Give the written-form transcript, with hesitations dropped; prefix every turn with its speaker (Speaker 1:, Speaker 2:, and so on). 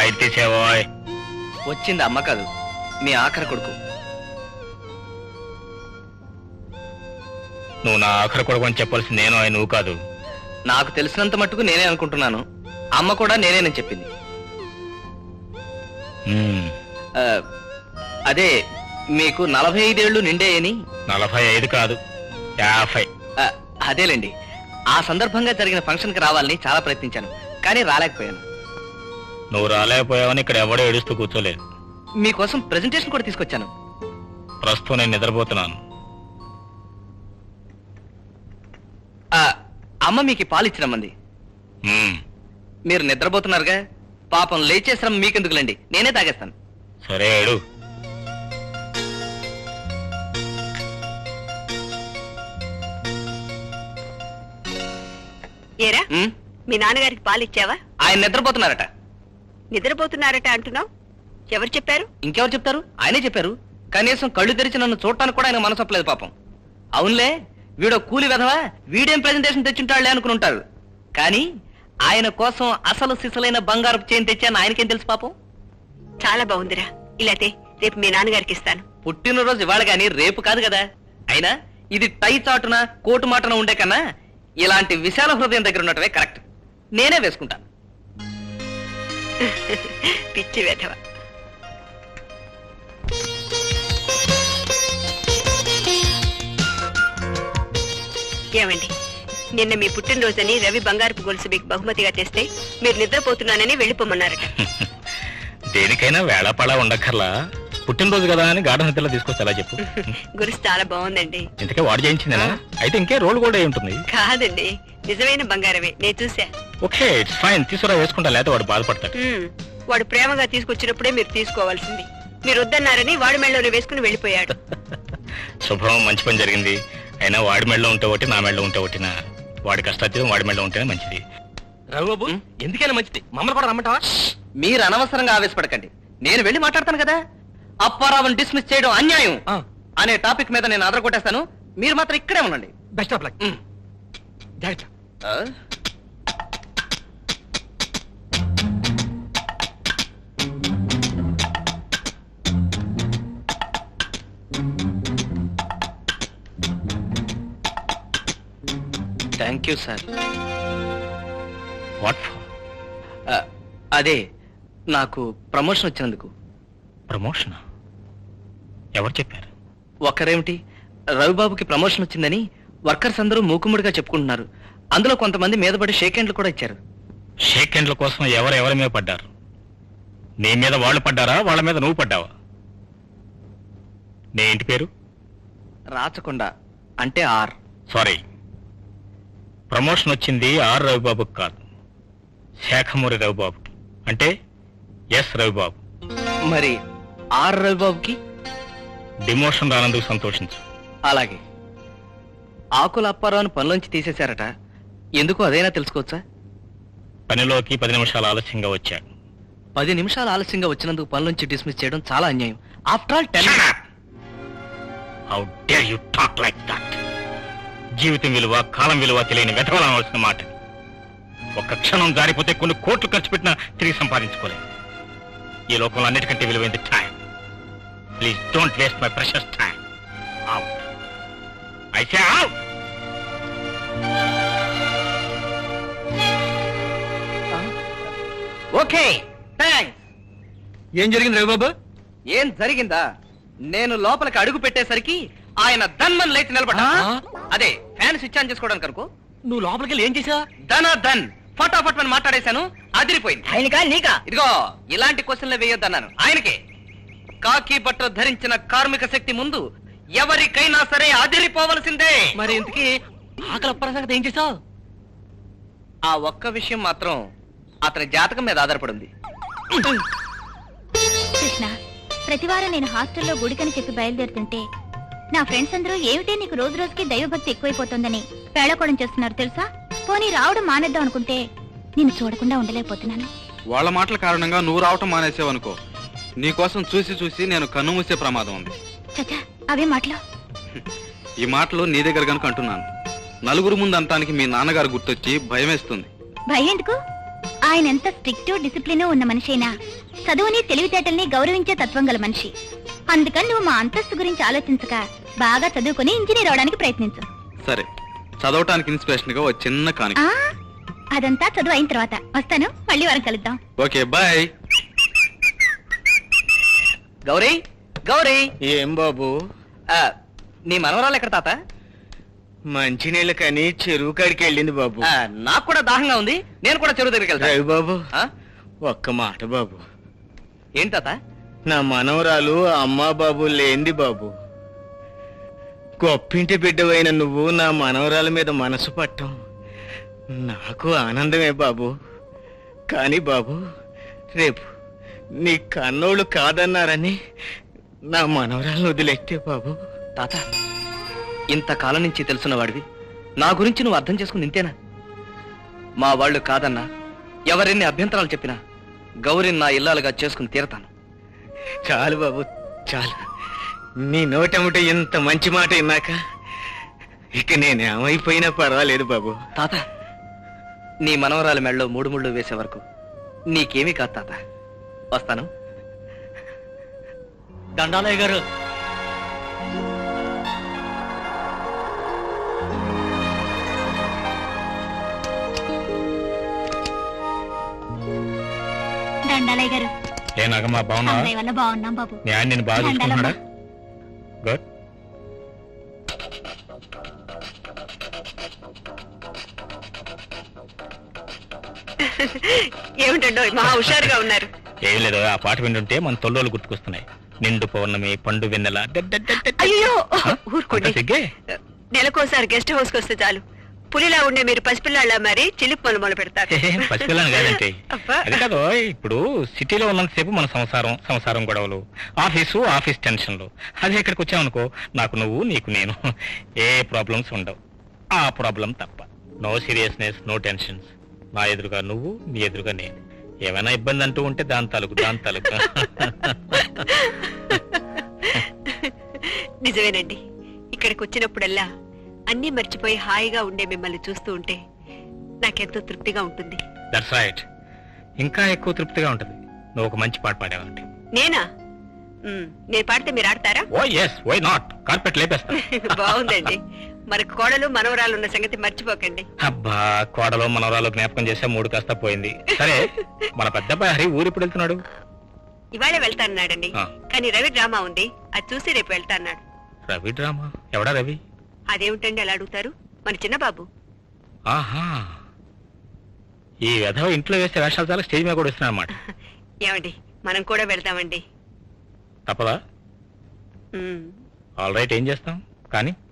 Speaker 1: Light తీసేవో.
Speaker 2: వచ్చింది అమ్మ కాదు, మీ ఆఖరి కొడుకు.
Speaker 1: నువ్వు నా ఆఖరి కొడుకు అని చెప్పాల్సింది నేను, నువ్వు కాదు.
Speaker 2: నాకు తెలిసినంత మట్టుకు నేనే అనుకుంటున్నాను. అమ్మ కూడా నేనేనని చెప్పింది. అదే మీకు 45 ఏళ్ళు నిండేయని.
Speaker 1: 45 కాదు, 50.
Speaker 2: అదేలేండి. ఆ సందర్భంగా జరిగిన ఫంక్షన్ కి రావాలని చాలా ప్రయత్నించాను, కానీ రాలేకపోయాను.
Speaker 1: నువ్వు రాలేకపోయావని ఇక్కడ ఎవడో ఏడుస్తూ కూర్చోలేదు.
Speaker 2: మీకోసం ప్రెజెంటేషన్ కూడా తీసుకొచ్చాను.
Speaker 1: ప్రస్తుతం నేను నిద్రపోతున్నాను.
Speaker 2: అమ్మ మీకు పాలు ఇచ్చినమ్మంది. మీరు నిద్రపోతున్నారుగా, పాపం లేచే శ్రమ మీకెందుకులేండి, నేనే తాగేస్తాను.
Speaker 1: సరే ఏడు.
Speaker 3: ఏరా, మీ నాన్నగారికి పాలు ఇచ్చావా?
Speaker 2: ఆయన నిద్రపోతున్నారట.
Speaker 3: నిద్రపోతున్నారట అంటున్నావు? ఎవరు చెప్పారు?
Speaker 2: ఇంకెవరు చెప్తారు? ఆయనే చెప్పారు. కనీసం కళ్ళు తెరిచి నన్ను చూడటానికి కూడా ఆయన మనసొప్పలేదు పాపం. అవునులే, వీడో కూలి వెధవా, వీడేం ప్రెజెంటేషన్ తెచ్చుంటాడులే అనుకుని ఉంటారు. కానీ ఆయన కోసం అసలు సిసలైన బంగారపు చైన్ తెచ్చాను ఆయనకేం తెలుసు పాపం.
Speaker 3: చాలా బాగుందిరా. ఇలాతే రేపు మీ నాన్నగారికి ఇస్తాను.
Speaker 2: పుట్టినరోజు ఇవాళ గాని రేపు కాదు కదా. అయినా ఇది టై చాటున కోటు మాటన ఉండే కన్నా ఇలాంటి విశాల హృదయం దగ్గర ఉండటమే కరెక్ట్. నేనే వేసుకుంటాను.
Speaker 3: పిచ్చి వెధవ. ఏమండి, నిన్న మీ పుట్టినరోజని రవి బంగారపు గొలుసు మీకు బహుమతిగా తెస్తే మీరు నిద్రపోతున్నానని వెళ్ళిపోమన్నారట.
Speaker 1: దేనికైనా వేళాపళా ఉండక్కర్లా. పుట్టినరోజు కదా అని గాఢ నిద్రలో తీసుకొస్తే ఎలా చెప్పు.
Speaker 3: గొలుసు చాలా బాగుందండి.
Speaker 1: ఇంతకే వాడు చేయించిందేనా? అయితే ఇంకే రోల్ కూడా అయి ఉంటుంది.
Speaker 3: కాదండి, నిజమైన బంగారమే, నేను చూసా.
Speaker 1: ఓకే, ఇట్స్ ఫైన్, తీసుకురా, వేసుకుంటా, లేకపోతే వాడు బాధపడతాడు.
Speaker 3: వాడు ప్రేమగా తీసుకొచ్చినప్పుడే మీరు తీసుకోవాల్సింది. మీరు వద్దన్నారని వాడి మెళ్ళలో వేసుకుని వెళ్ళిపోయాడు.
Speaker 1: శుభ్రం, మంచి పని జరిగింది. అయినా వాడి మెళ్ళలో ఉంటే ఒకటి, నా మెళ్ళలో ఉంటే ఒకటినా. వాడి కష్టాతీతం వాడి మెళ్ళలో ఉంటేనే మంచిది.
Speaker 2: రఘుబాబు, ఎందుకైనా మంచిది, మమ్మల్ని కూడా రమ్మంటావా? మీరు అనవసరంగా ఆవేశపడకండి, నేను వెళ్ళి మాట్లాడతాను కదా. అప్పారావుని డిస్మిస్ చేయడం అన్యాయం అనే టాపిక్ మీద నేను అదరగొట్టేస్తాను. మీరు మాత్రం ఇక్కడే ఉండండి.
Speaker 4: Best of luck.
Speaker 2: Thank you sir.
Speaker 1: What?
Speaker 2: అదే నాకు ప్రమోషన్ వచ్చినందుకు.
Speaker 1: ప్రమోషన్? ఎవరు చెప్పారు?
Speaker 2: ఒక్కరేమిటి, రవిబాబుకి ప్రమోషన్ వచ్చిందని వర్కర్స్ అందరూ మూకుముడిగా చెప్పుకుంటున్నారు. అందులో కొంతమంది మీద పడి షేక్ హ్యాండ్లు కూడా ఇచ్చారు.
Speaker 1: షేక్ హ్యాండ్ల కోసం ఎవరెవరి మీద పడ్డారు? నీ మీద వాళ్ళు పడ్డారా, వాళ్ళ మీద నువ్వు పడ్డావా? నీ ఇంటి పేరు?
Speaker 2: రాచకొండ, అంటే ఆర్.
Speaker 1: సారీ, ప్రమోషన్ వచ్చింది ఆర్ రవిబాబుకి కాదు, శాఖమూరి రవిబాబుకి, అంటే ఎస్ రవిబాబు.
Speaker 2: మరి ఆర్ రవిబాబుకి
Speaker 1: డిమోషన్ రానందుకు సంతోషించు.
Speaker 2: అలాగే. ఆకుల అప్పారావుని పనిలోంచి తీసేశారట, ఎందుకు అదైనా తెలుసుకోవచ్చా?
Speaker 1: పనిలోకి 10 నిమిషాలు ఆలస్యంగా వచ్చాడు.
Speaker 2: 10 నిమిషాలు ఆలస్యంగా వచ్చినందుకు పనిలోంచి డిస్మిస్ చేయడం చాలా అన్యాయం. After all 10.
Speaker 1: How dare you talk like that? జీవితం విలువ, కాలం విలువ తెలియని వెతవలవలసిన మాట. ఒక్క క్షణం జారిపోతే కొన్ని కోట్లు ఖర్చు పెట్టినా తిరిగి సంపాదించుకోలేదు. ఈ లోకంలో అన్నిటికంటే విలువైంది time. Please don't waste my precious time. Out, I say out.
Speaker 2: Okay, thanks.
Speaker 4: ఏం జరిగింది రవిబాబు?
Speaker 2: ఏం జరిగిందా? నేను లోపలికి అడుగు పెట్టేసరికి ఆయన ధన్మన్ లేచి నిలబడ్డా. అదే ఫ్యాన్ స్విచ్ ఆన్ చేసుకోవడానికి అనుకో.
Speaker 4: నువ్వు లోపలికి వెళ్ళి ఏం చేసావు?
Speaker 2: ధన్ ఫటాఫట్ అని మాట్లాడేశాను, అదిరిపోయింది.
Speaker 3: ఆయనకా నీకా?
Speaker 2: ఇదిగో ఇలాంటి క్వశ్చన్లు వేయొద్దన్నాను ఆయనకే. కాకి బట్టలు ధరించిన కార్మిక శక్తి ముందు ఎవరికైనా సరే అదిరిపోవలసిందే.
Speaker 4: మరి ఇంతకీ ఆకలి అప్పారావు సంగతి ఏం చేసావు?
Speaker 2: ఆ ఒక్క విషయం మాత్రం అతని జాతకం మీద ఆధారపడింది.
Speaker 5: కృష్ణ, ప్రతివారం నేను హాస్టల్లో గుడికని చెప్పి బయలుదేరుతుంటే నా ఫ్రెండ్స్ అందరూ ఏమిటే నీకు రోజు రోజుకి దైవభక్తి ఎక్కువైపోతుందని పేళకోవడం చేస్తున్నారు తెలుసా? పోనీ రావడం మానేద్దాం అనుకుంటే నిన్ను చూడకుండా ఉండలేకపోతున్నాను.
Speaker 6: వాళ్ళ మాటల కారణంగా నువ్వు రావటం మానేసావనుకో, నీకోసం చూసి చూసి నేను కన్ను మూసే ప్రమాదం ఉంది.
Speaker 5: చచ్చా, అవే మాటలు.
Speaker 6: ఈ మాటలు నీ దగ్గర కనుక అంటున్నాను. నలుగురు ముందు అంటానికి మీ నాన్నగారు గుర్తొచ్చి భయమేస్తుంది.
Speaker 5: భయం ఎందుకు? ఆయన ఎంత స్ట్రిక్ట్ డిసిప్లిన్ ఉన్న మనిషైనా చదువుని తెలివితేటల్ని గౌరవించే తత్వం గల మనిషి. అందుకని నువ్వు మా అంతస్తు గురించి ఆలోచించక బాగా చదువుకుని ఇంజనీర్ అవడానికి ప్రయత్నించు.
Speaker 6: సరే, చదవటానికి ఇన్స్పిరేషన్ గా ఒక చిన్న కానుక.
Speaker 5: ఆ అదంతా చదువు అయిన తర్వాత వస్తాను. మళ్ళీ వారం కలుద్దాం.
Speaker 6: Okay, bye.
Speaker 2: గౌరీ, గౌరీ,
Speaker 7: ఏం బాబు?
Speaker 2: ఆ, నీ మనవరాలు ఎక్కడ తాత?
Speaker 7: మంచినీళ్ళ కని చెరువు కాడికి వెళ్ళింది బాబు.
Speaker 2: నాకు కూడా దాహంగా ఉంది, నేను కూడా చెరువు దగ్గరికి వెళ్తాను.
Speaker 7: రవి బాబు,
Speaker 2: ఆ?
Speaker 7: ఒక్క మాట బాబు.
Speaker 2: ఏంటి తాత?
Speaker 7: నా మనవరాలు అమ్మా బాబు లేంది బాబు. గొప్పింటి బిడ్డవైన నువ్వు నా మనవరాల మీద మనసు పట్టం నాకు ఆనందమే బాబు. కానీ బాబు, రేపు నీ కన్నోళ్ళు కాదన్నారని నా మనవరాలను వదిలేస్తే బాబు.
Speaker 2: తాత, ఇంతకాలం నుంచి తెలుసున్న వాడివి, నా గురించి నువ్వు అర్థం చేసుకుని ఇంతేనా? మా వాళ్ళు కాదన్నా, ఎవరెన్ని అభ్యంతరాలు చెప్పినా గౌరిని నా ఇల్లాలుగా చేసుకుని తీరతాను.
Speaker 7: చాలు బాబు, చాలు. నీ నోటముట ఇంత మంచి మాట విన్నాక ఇక నేనేమైపోయినా పర్వాలేదు బాబు.
Speaker 2: తాత, నీ మనవరాలి మెళ్ళలో 3 ముళ్ళు వేసే వరకు నీకేమీ కాదు తాత. వస్తాను.
Speaker 4: దండాలయ్య గారు.
Speaker 5: దండాలయ్య గారు.
Speaker 1: ఏ నాగమ్మా, బాగున్నా?
Speaker 5: అన్నయ్య వల్ల బాగున్నాం బాబు.
Speaker 1: మీ ఆయన నేను బాగా చూసుకుంటున్నాడా? గుడ్.
Speaker 3: ఏమిటండో మహా హుషారుగా ఉన్నారు.
Speaker 1: ఏం లేదు, ఆ పాట వింటుంటే మన తొల్లోలు గుర్తుకొస్తున్నాయి. నిండు పౌర్ణమి, పండు వెన్నెల.
Speaker 3: అయ్యో ఊరుకోండి.
Speaker 1: సిగ్గే.
Speaker 3: నెలకోసారి గెస్ట్ హౌస్ కి వస్తే చాలు, పులిలా ఉండే మీరు పసిపిల్లాళ్ళ మరి చిలిపి మొదలు పెడతారు.
Speaker 1: పసిపిల్లని కాదంటే
Speaker 3: అబ్బా.
Speaker 1: అది కాదు. ఇప్పుడు సిటీలో ఉన్నంతసేపు మన సంసారం గొడవలు, ఆఫీస్ టెన్షన్లు. అదే ఇక్కడికి వచ్చామనుకో, నాకు నువ్వు, నీకు నేను, ఏ ప్రాబ్లమ్స్ ఉండవు. ఆ ప్రాబ్లం తప్ప. No seriousness, no tensions. నా ఎదురుగా నువ్వు, నీ ఎదురుగా నేను. ఏమైనా ఇబ్బంది అంటూ ఉంటే దాని తాలూకు.
Speaker 3: నిజమేనండి, ఇక్కడికి వచ్చినప్పుడల్లా అన్నీ మర్చిపోయి హాయిగా ఉండే మిమ్మల్ని చూస్తూ ఉంటే నాకెంతో తృప్తిగా ఉంటుంది.
Speaker 1: That's right. ఇంకా ఎక్కువ తృప్తిగా ఉంటది నువ్వు ఒక మంచి పాట పాడావంటే.
Speaker 3: నేనా? నేను పాడితే మీరు ఆడతారా?
Speaker 1: Oh yes, why not. Carpet లేపేస్తా.
Speaker 3: బాగుందండి. మరి కోడలు మనవరాలు ఉన్న సంగతి మర్చిపోకండి.
Speaker 1: అబ్బా, కోడలో మనవరాలు జ్ఞాపకం చేసే 3 కాస్త పోయింది. సరే, మన పెద్దబ్బాయి హరి ఊరు ఎప్పుడు వెళ్తున్నాడు?
Speaker 3: ఇవాళే వెళ్తాన్నాడండి.
Speaker 1: ఆ.
Speaker 3: కానీ రవి డ్రామా ఉంది, అది చూసి రేపు వెళ్తాన్నాడు.
Speaker 1: రవి డ్రామా? ఎవడా రవి?
Speaker 3: అదేమిటండి అలా అడుగుతారు? మన చిన్న బాబు.
Speaker 1: ఆహా, ఈ వెధవ ఇంట్లో వేసే వేషాలు చాలా స్టేజ్ మీద కూడా ఇస్తున్నా అన్నమాట.
Speaker 3: ఏమండి, మనం కూడా వెళ్తామండి.
Speaker 1: తప్పదా?
Speaker 3: ఉమ్.
Speaker 1: ఆల్ రైట్, ఏం చేస్తాం కానీ